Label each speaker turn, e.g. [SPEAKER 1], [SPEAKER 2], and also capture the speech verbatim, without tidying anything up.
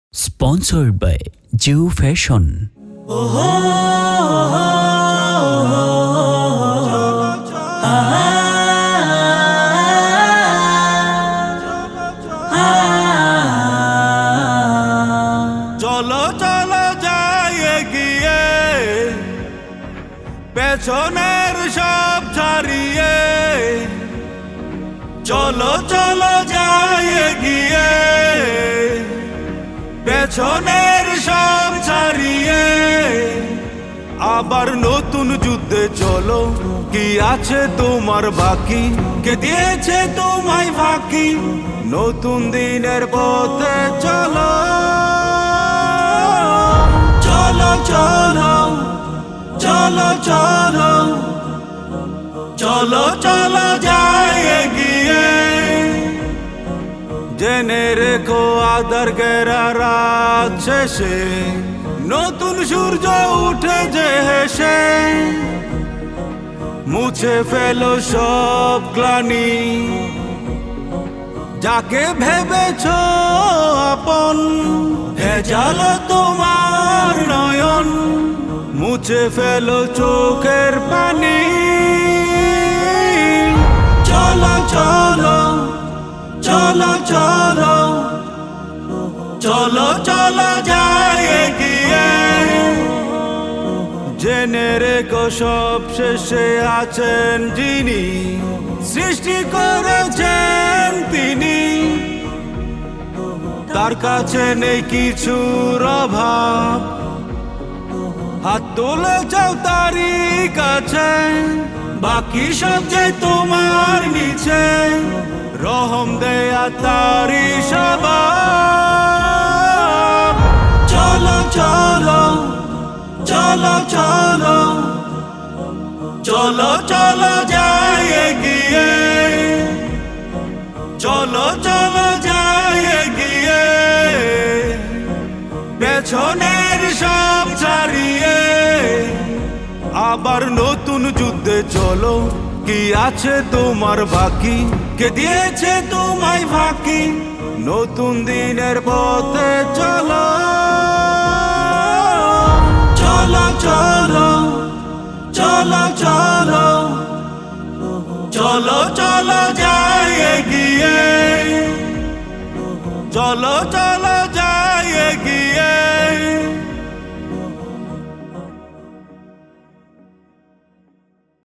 [SPEAKER 1] Sponsored by Jew Fashion.
[SPEAKER 2] চলো চলো যাই এগিয়ে পেছনের সব ছাড়িয়ে চলো চলো যাই এগিয়ে পেছনের সব ছাড়িয়ে আবার নতুন যুদ্ধে চলো কি আছে তোমার বাকি কে দিয়েছে তোমায় ফাঁকি নতুন দিনের পথে চলো চলো চলো চলো চলো চলো চলো যাই এগিয়ে জেনে রেখো আধার ঘেরা রাত শেষে নতুন সূর্য উঠে যে হেসে মুছে ফেলো সব গ্লানি যাকে ভেবেছ আপন ভেজাল তোমার নয়ন মুছে ফেলো চোখের পানি চলো চলো চলো চলো চলো চলো যাই এগিয়ে জেনে রেখো সব শেষে আছেন যিনি সৃষ্টি করেছেন তিনি তার কাছে নেই কিছুর অভাব হাত তুলে যাও তারই কাছে বাকি সব যে তোমার নিচে রহম দেয়া তারি স্বভাব চলো চলো চলো চলো চলো চলো যাই এগিয়ে চলো চলো যাই এগিয়ে পেছনের সব ছাড়িয়ে আবার নতুন যুদ্ধে চলো কি আছে তোমার বাকি কে দিয়েছে তোমায় ফাঁকি নতুন দিনের পথে চলো চলো চলো চলো চলো চলো চলো যাই এগিয়ে চলো চলো